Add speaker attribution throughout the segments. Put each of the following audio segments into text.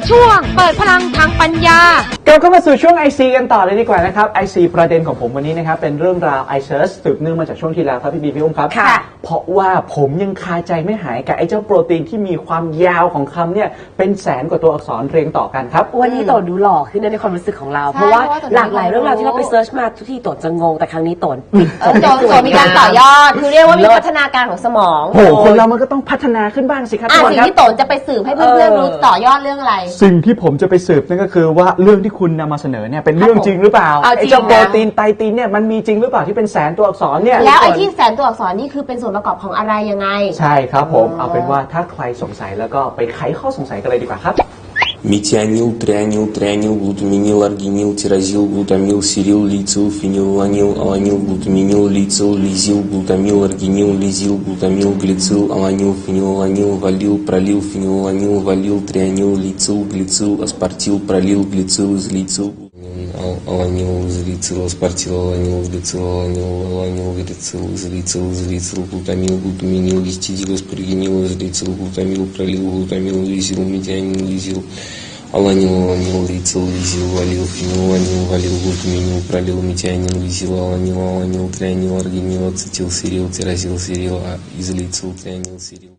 Speaker 1: ช่วงเปิดพลังทางปัญญาก
Speaker 2: ลับเข้ามาสู่ช่วง IC กันต่อเลยดีกว่านะครับ IC ประเด็นของผมวันนี้นะครับเป็นเรื่องราว iSearch สืบเนื่องมาจากช่วงที่แล้วครับพี่บีพี่อุ้มครับเพราะว่าผมยังคาใจไม่หายกับไอ้เจ้าโปรตีนที่มีความยาวของคำเนี่ยเป็นแสนกว่าตัวอักษรเรียงต่อกันครับ
Speaker 3: วันนี้โตดูหล่อขึ้นในความรู้สึกของเราเพราะว่าหลากหลายเรื่องราวที่เราไปเซิร์ชมาทุกที่โตจะงงแต่ครั้งนี้โต
Speaker 4: โจมีการต่อยอดคือเรียกว่ามีพัฒนาการของสมอง
Speaker 2: โหคนเรามันก็ต้องพัฒนาขึ้นบ้างสิครับ
Speaker 4: สิ่งที่โตจะไปสืบให้เพื่อนๆรู้ต่อยอดเรื่องอะไร
Speaker 2: สิ่งที่ผมจะไปสืบนั่นก็คือว่าเรื่องที่คุณนำมาเสนอเนี่ยเป็นเรื่องจริงหรือเปล่าไอ้เจ้าโปรตีนไตตินเนี่ยมันมีจริงหรือเปล่าที่เป็นแสนตัวอักษรเนี่ย
Speaker 4: แล้วไอ้ที่แสนตัวอักษรนี่คือเป็นส่วนประกอบของอะไรยังไง
Speaker 2: ใช่ครับผมเอาเป็นว่าถ้าใครสงสัยแล้วก็ไปไขข้อสงสัยกันเลยดีกว่าครับ
Speaker 5: метионил, трианил, трианил, глутаминил, аргинил, тиразил, глутамил, сирил, лицил, фенилаланил, аланил, глутаминил, лицил, лизил, глутамил, аргинил, лизил, глутамил, глицил, аланил, фенилаланил, валил, пролил, фенилаланил, валил, трианил, лицил, глицил, аспартил, пролил, глицил, излицил. Аланил, излицил, аспартил, аланил, глицил, аланил, глицил, излицил, глутамил, глутаминил, гистидил, аспаргинил, излицил, глутамил, пролил, глутамил, лизил, метионил, лизил. Аланил, лицил, лизил, валил, фенилаланил, валил, глутаминил, пролил, метионил, лизил, аланил, трианил, аргинил, ацетил, сирил, тиразил, сирил, излицил, трианил, сирил.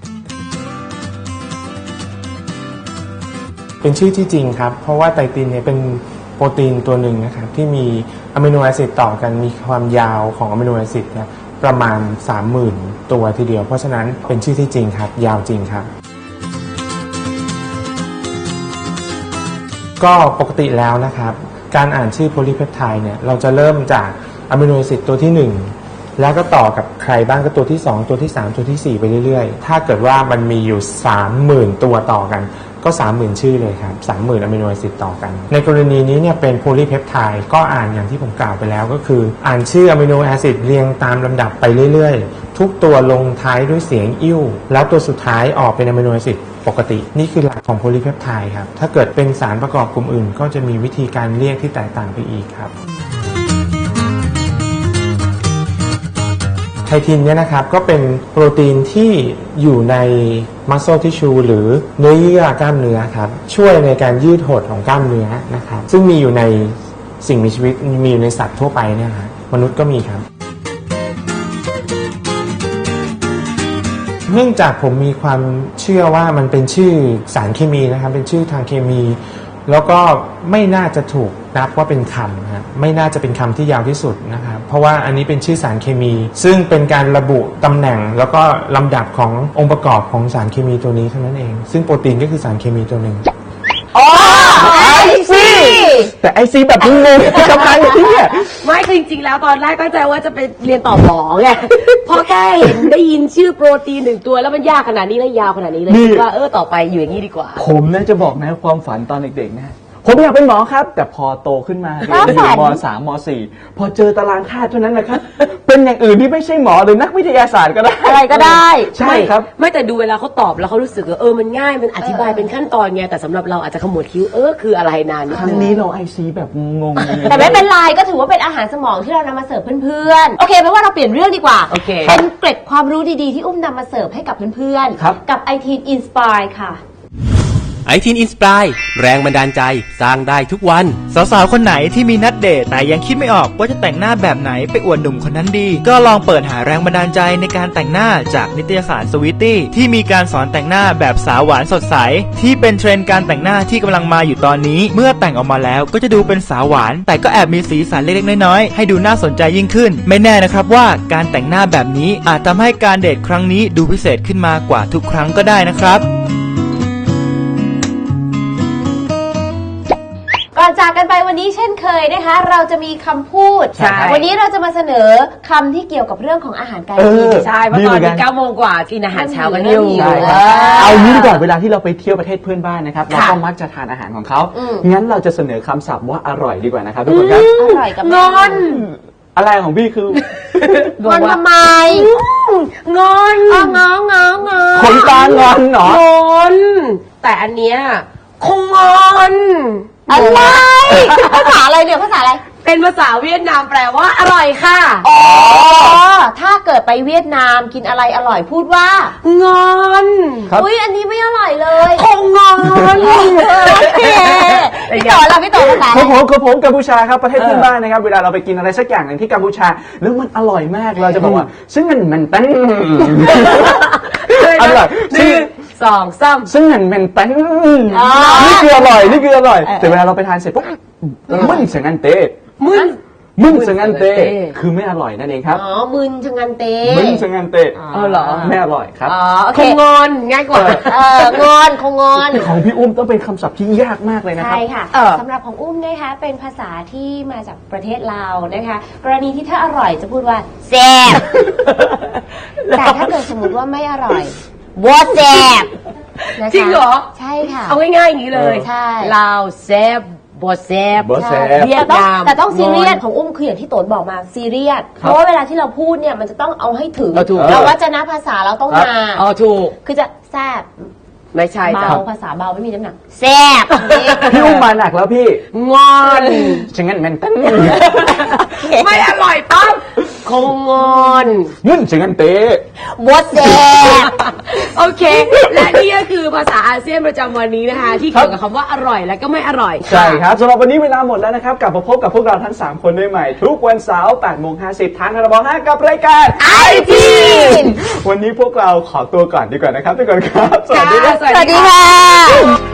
Speaker 6: เป็นชื่อที่จริงครับเพราะว่าไตตินเนี่ยเป็นโปรตีนตัวหนึ่งนะครับที่มีอะมิโนแอซิดต่อกันมีความยาวของอะมิโนแอซิดเนี่ยประมาณ 30,000 ตัวทีเดียวเพราะฉะนั้นเป็นชื่อที่จริงครับยาวจริงครับก็ปกติแล้วนะครับการอ่านชื่อโพลีเพปไทด์เนี่ยเราจะเริ่มจากอะมิโนแอซิดตัวที่1แล้วก็ต่อกับใครบ้างก็ตัวที่2ตัวที่3ตัวที่4ไปเรื่อยๆถ้าเกิดว่ามันมีอยู่ 30,000 ตัวต่อกันก็ 30,000 ชื่อเลยครับ 30,000 อะมิโนแอซิดต่อกันในกรณีนี้เนี่ยเป็นโพลีเพปไทด์ก็อ่านอย่างที่ผมกล่าวไปแล้วก็คืออ่านชื่ออะมิโนแอซิดเรียงตามลำดับไปเรื่อยๆทุกตัวลงท้ายด้วยเสียงอิ่วแล้วตัวสุดท้ายออกเป็นอะมิโนแอซิดปกตินี่คือหลักของโพลีเพปไทด์ครับถ้าเกิดเป็นสารประกอบกลุ่มอื่นก็จะมีวิธีการเรียกที่แตกต่างไปอีกครับไททินเนี่ยนะครับก็เป็นโปรตีนที่อยู่ในมัสโซทิชชูหรือเนื้อเยื่อกล้ามเนื้อครับช่วยในการยืดหดของกล้ามเนื้อนะครับซึ่งมีอยู่ในสิ่งมีชีวิตมีอยู่ในสัตว์ทั่วไปเนี่ยฮะมนุษย์ก็มีครับเนื่องจากผมมีความเชื่อว่ามันเป็นชื่อสารเคมีนะครับเป็นชื่อทางเคมีแล้วก็ไม่น่าจะถูกนับว่าเป็นคำครับไม่น่าจะเป็นคำที่ยาวที่สุดนะครับเพราะว่าอันนี้เป็นชื่อสารเคมีซึ่งเป็นการระบุตำแหน่งแล้วก็ลำดับขององค์ประกอบของสารเคมีตัวนี้เท่านั้นเองซึ่งโปรตีนก็คือสารเคมีตัวหนึ่ง
Speaker 2: แต่ไอซีแบบงงๆทำไมเนี่ย
Speaker 3: ไม่คือจริงๆแล้วตอนแรกตั้งใจว่าจะไปเรียนต่อหมอไงพอแค่เห็นได้ยินชื่อโปรตีน1ตัวแล้วมันยากขนาดนี้และยาวขนาดนี้เลยคิดว่าต่อไปอยู่อย่างนี้ดีกว่า
Speaker 2: ผมนะจะบอกนะความฝันตอนเด็กๆนะผมอยากเป็นหมอครับแต่พอโตขึ้นมาเรียนอยู่ม.3 ม.4 พอเจอตารางธาตุเท่านั้นแหละครับเป็นอย่างอื่นที่ไม่ใช่หมอหรือนักวิทยาศาสตร์ก็ได้
Speaker 4: อะไรก็ได้
Speaker 2: ใช่ครับ
Speaker 3: ไม่แต่ดูเวลาเขาตอบแล้วเขารู้สึกว่ามันง่ายมันอธิบายเป็นขั้นตอนไงแต่สำหรับเราอาจจะขมวดคิ้วคืออะไรนานนิดนึง
Speaker 2: ครั้งนี้เราไอซีแบบงง
Speaker 4: ๆแต่ไม่เป็นไรก็ถือว่าเป็นอาหารสมองที่เรานำมาเสิร์ฟเพื่อนๆโอเคเพราะว่าเราเปลี่ยนเรื่องดีกว่าเป็นเกร็ดความรู้ดีๆที่อุ้มนำมาเสิร์ฟให้กับเพื่อนๆกับ iTeen Inspire ค่ะ
Speaker 7: ไอทีนอินสปายแรงบันดาลใจสร้างได้ทุกวัน
Speaker 8: สาวๆคนไหนที่มีนัดเดทแต่ยังคิดไม่ออกว่าจะแต่งหน้าแบบไหนไปอวดหนุ่มคนนั้นดีก็ลองเปิดหาแรงบันดาลใจในการแต่งหน้าจากนิตยสารสวีตตี้ที่มีการสอนแต่งหน้าแบบสาวหวานสดใสที่เป็นเทรนด์การแต่งหน้าที่กำลังมาอยู่ตอนนี้เมื่อแต่งออกมาแล้วก็จะดูเป็นสาวหวานแต่ก็แอบมีสีสันเล็กๆน้อยๆให้ดูน่าสนใจยิ่งขึ้นไม่แน่นะครับว่าการแต่งหน้าแบบนี้อาจทำให้การเดทครั้งนี้ดูพิเศษขึ้นมากว่าทุกครั้งก็ได้นะครับ
Speaker 4: ก่อนจากกันไปวันนี้เช่นเคยนะคะเราจะมีคำพูดวันนี้เราจะมาเสนอคำที่เกี่ยวกับเรื่องของอาหารการกิน
Speaker 3: ใช่เพราะตอนนี้9 โมงกว่ากินอาหารเช้ากันอยู่
Speaker 2: เอางี้ดีกว่าเวลาที่เราไปเที่ยวประเทศเพื่อนบ้านนะครับเราก็มักจะทานอาหารของเขางั้นเราจะเสนอคำศัพท์ว่าอร่อยดีกว่านะครับทุกคนครับ
Speaker 4: อร่อยกับ
Speaker 3: งอน
Speaker 2: อะไรของพี่คื
Speaker 4: องอนทำไม
Speaker 3: งอน
Speaker 4: งอ
Speaker 2: คนตางอนเหรอง
Speaker 3: อนแต่อันเนี้ยคงงอน
Speaker 4: อะไรภาษาอะไรเนี่ยภาษาอะไร
Speaker 3: เป็นภาษาเวียดนามแปลว่าอร่อยค่ะ
Speaker 4: อ๋อ ถ้าเกิดไปเวียดนามกินอะไรอร่อยพูดว่าง
Speaker 3: อน
Speaker 2: ครับ
Speaker 4: อุ้ยอันนี้ไม่อร่อยเลย
Speaker 3: คงงอน
Speaker 4: พี่ต่อเราพี่ต่อภาษา
Speaker 2: ของผมกัมพูชาครับประเทศเพื่อนบ้านนะครับเวลาเราไปกินอะไรสักอย่างหนึ่งที่กัมพูชาแล้วมันอร่อยมากเราจะบอกว่าซึ่งมันตั้งอร่อย
Speaker 3: หนึ่งสองสาม
Speaker 2: ซึ่งมันตั้งนี่คืออร่อยนี่คืออร่อยแต่เวลาเราไปทานเสร็จปุ๊บมึนเสียงอันเตะ มึนเสียงอันเตะคือไม่อร่อยนั่นเองครับ
Speaker 4: อ๋อมึนชะงันเต
Speaker 2: มึนเสียงอันเตะ
Speaker 3: เหรอ
Speaker 2: ไม่อร่อยครับ
Speaker 4: อ๋อโอ
Speaker 3: ค
Speaker 4: เค
Speaker 3: งงอนง่ายกว่า
Speaker 4: งอนคงงอน
Speaker 2: ของพี่อุ้มต้องเป็นคำศัพท์ที่ยากมากเลยนะครับ
Speaker 4: ใช่ค่ะสำหรับของอุ้มนะคะเป็นภาษาที่มาจากประเทศลาวนะคะ กรณีที่ถ้าอร่อยจะพูดว่าแซ่บ แต่ถ้าเกิดสมมติว่าไม่อร่อยบ่แซ่บนะคะ
Speaker 3: จริงเหรอ
Speaker 4: ใช่ค่ะ
Speaker 3: เอาง่ายๆอย่างนี้เลย
Speaker 4: ใช่
Speaker 3: ลาวแซบบแซบ
Speaker 2: บ่แซ่บ
Speaker 3: เวียดนาม
Speaker 4: แต่ต้องซีเรียสของอุ้มคืออย่างที่โตนบอกมาซีเรียสเพราะว่าเวลาที่เราพูดเนี่ยมันจะต้องเอาให้ถึง
Speaker 3: ถูก
Speaker 4: เราวัจนภาษาเราต้องมา
Speaker 3: อ๋อถูก
Speaker 4: คือจะแซ่บ
Speaker 3: ไม่ใช่จ้ะ
Speaker 4: เบาภาษาเบาไม่มีน้ำหนักแซ่บ
Speaker 2: พี่อุ้มมาหนักแล้วพี่
Speaker 3: งอน
Speaker 2: ฉะนั้นมันตั้ง
Speaker 3: ไม่อร่อยปั๊บคงงอน
Speaker 2: มึนเสียงอันเตะ
Speaker 4: บ่แซ่บ
Speaker 3: โอเค และนี่ก็คือภาษาอาเซียนประจำวันนี้นะคะ ที่เกี่ยวกับคำว่าอร่อยและก็ไม่อร่อย
Speaker 2: ใช่ครับสำหรับวันนี้เวลาหมดแล้วนะครับ กลับมาพบกับพวกเราทั้ง 3 คนได้ใหม่ ทุกวันเสาร์ 8:50 ทางทรบ5กับรายการ
Speaker 4: IT
Speaker 2: วันนี้พวกเราขอตัวก่อนดีกว่านะครับทุกคนครับ สวัสดีครับ
Speaker 3: สวัสดีค่ะ